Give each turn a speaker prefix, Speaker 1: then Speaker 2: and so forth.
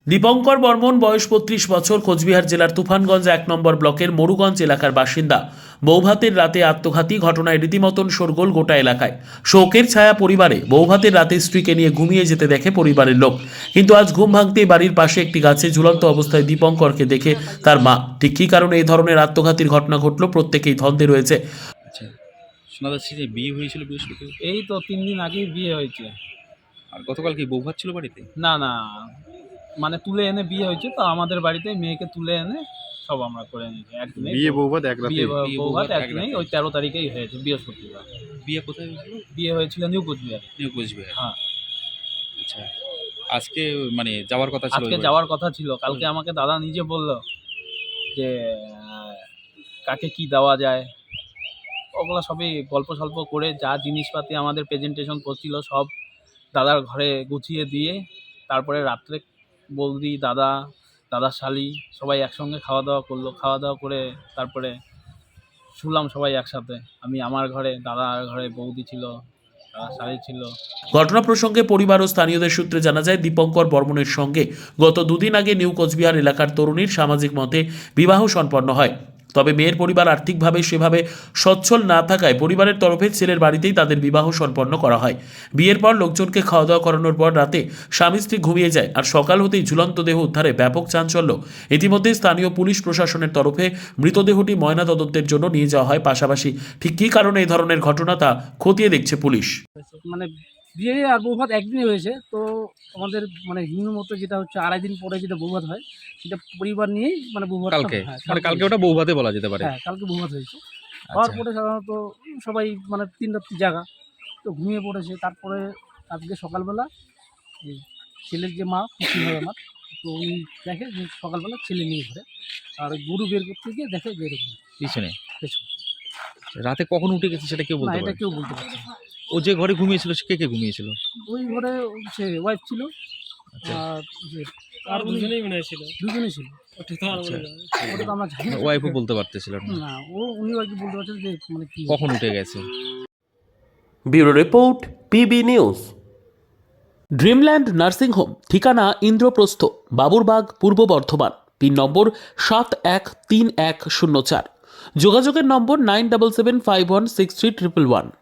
Speaker 1: দীপঙ্কর বর্মন বয়স ৩৫ বছর, কোচবিহার জেলার তুফানগঞ্জ ১ নম্বর ব্লকের মরুগঞ্জ এলাকার বাসিন্দা। বৌভাতের রাতে আত্মঘাতী ঘটনায় রীতিমতন শোরগোল গোটা এলাকায়। শোকের ছায়া পরিবারে। বৌভাতের রাতে স্ত্রীকে নিয়ে ঘুমিয়ে যেতে দেখে পরিবারের লোক, কিন্তু আজ ঘুম ভাঙতেই বাড়ির পাশে একটি গাছে ঝুলন্ত অবস্থায় দীপঙ্করকে দেখে তার মা। ঠিক কী কারণে এই ধরনের আত্মঘাতীর ঘটনা ঘটল, প্রত্যেকেই ধন্দে রয়েছে।
Speaker 2: আচ্ছা, শোনা যাচ্ছে যে বিয়ে হয়েছিল বৃহস্পতিবার।
Speaker 3: এই তো ৩ দিন আগেই বিয়ে হয়েছে।
Speaker 2: আর গতকাল কি বউ ভাত ছিল বাড়িতে?
Speaker 3: না, না, মানে তুলে এনে বিয়ে হয়েছে তো আমাদের বাড়িতে মেয়েকে তুলে এনে সব আমরা করে নিয়েছি একদিনেই।
Speaker 4: বিয়ে বৌভাত এক রাতে?
Speaker 3: বিয়ে
Speaker 2: বিয়ে
Speaker 3: বৌভাত
Speaker 2: বৌভাত
Speaker 3: একদিনেই,
Speaker 2: এক রাতে।
Speaker 3: ওই ১৩ তারিখেই হয়েছে বৃহস্পতিবার।
Speaker 2: বিয়ে কোথায় হয়েছিল?
Speaker 3: বিয়ে হয়েছিল নিউ কোচবিহারে।
Speaker 2: নিউ কোচবিহার।
Speaker 3: হ্যাঁ,
Speaker 2: আচ্ছা, আজকে মানে যাওয়ার কথা ছিল?
Speaker 3: আজকে
Speaker 2: ওই
Speaker 3: যাওয়ার কথা ছিল। কালকে আমাকে দাদা নিজে বলল যে কাকে কি দেওয়া যায়, ওগুলো সবই গল্প সল্প করে যা জিনিসপাতি আমাদের প্রেজেন্টেশন করছিল সব দাদার ঘরে গুছিয়ে দিয়ে তারপরে রাত্রে বৌদি, দাদার শালি সবাই একসঙ্গে খাওয়া দাওয়া করলো। খাওয়া দাওয়া করে তারপরে শুলাম সবাই একসাথে। আমি আমার ঘরে, দাদার ঘরে বৌদি ছিল, দাদার শালি ছিল।
Speaker 1: ঘটনা প্রসঙ্গে পরিবার ও স্থানীয়দের সূত্রে জানা যায়, দীপঙ্কর বর্মনের সঙ্গে গত দুদিন আগে নিউ কোচবিহার এলাকার তরুণীর সামাজিক মতে বিবাহ সম্পন্ন হয়। তবে মেয়ের পরিবার আর্থিকভাবে সেভাবে সচ্ছল না থাকায় পরিবারের তরফে ছেলের বাড়িতেই তাদের বিবাহ সম্পন্ন করা হয়। বিয়ের পর লোকজনকে খাওয়া দাওয়া করানোর পর রাতে স্বামী স্ত্রী ঘুমিয়ে যায়, আর সকাল হতেই ঝুলন্ত দেহ উদ্ধারে ব্যাপক চাঞ্চল্য। ইতিমধ্যে স্থানীয় পুলিশ প্রশাসনের তরফে মৃতদেহটি ময়নাতদন্তের জন্য নিয়ে যাওয়া হয়। পাশাপাশি ঠিক কী কারণে এই ধরনের ঘটনা তা খতিয়ে দেখছে পুলিশ।
Speaker 5: মানে বিয়ে আর বৌভাত একদিনে হয়েছে তো আমাদের মানে হিন্দু মতো যেটা হচ্ছে ২.৫ দিন পরে যেটা বৌভাত হয় সেটা পরিবার নিয়েই মানে বৌভাত
Speaker 2: কালকে মানে কালকে ওটা বউ ভাতে বলা যেতে পারে।
Speaker 5: হ্যাঁ, কালকে বৌভাত হয়েছে। হওয়ার
Speaker 2: আচ্ছা,
Speaker 5: পরে সাধারণত সবাই মানে ৩ রাত্রি জাগা তো ঘুমিয়ে পড়েছে। তারপরে আজকে সকালবেলা এই ছেলের যে মা খুশি হয় আমার, তো উনি দেখে যে সকালবেলা ছেলে নিয়ে ঘরে আর ওই গরু বের করতে গিয়ে দেখে যে এরকম
Speaker 2: পিছনে
Speaker 5: পেছন।
Speaker 2: রাতে কখন উঠে গেছে সেটা কেউ
Speaker 5: না,
Speaker 2: বলতে
Speaker 5: এটা
Speaker 2: পারে?
Speaker 5: কেউ বলতে পারছে না।
Speaker 2: ও যে ঘরে ঘুমিয়েছিল সে কে ঘুমিয়েছিল?
Speaker 5: ওই ঘরে সে ওয়াইফ ছিল
Speaker 2: আচ্ছা,
Speaker 5: আর যে আর দুজনেই মনে ছিল, দুজনেই ছিল।
Speaker 2: আচ্ছা,
Speaker 5: ওটা তো আমরা জানি না।
Speaker 2: ওয়াইফও বলতে পারতেছিল না
Speaker 5: না, উনি আর কি বলতে পারছেন যে মানে কি
Speaker 2: কখন উঠে গেছে।
Speaker 1: Bureau report, PB news. Dreamland nursing home, ঠিকানা ইন্দ্রপ্রস্থ, বাবুরবাগ, পূর্ব বর্ধমান। পিন নম্বর 713104। যোগাযোগের নম্বর 9775163111।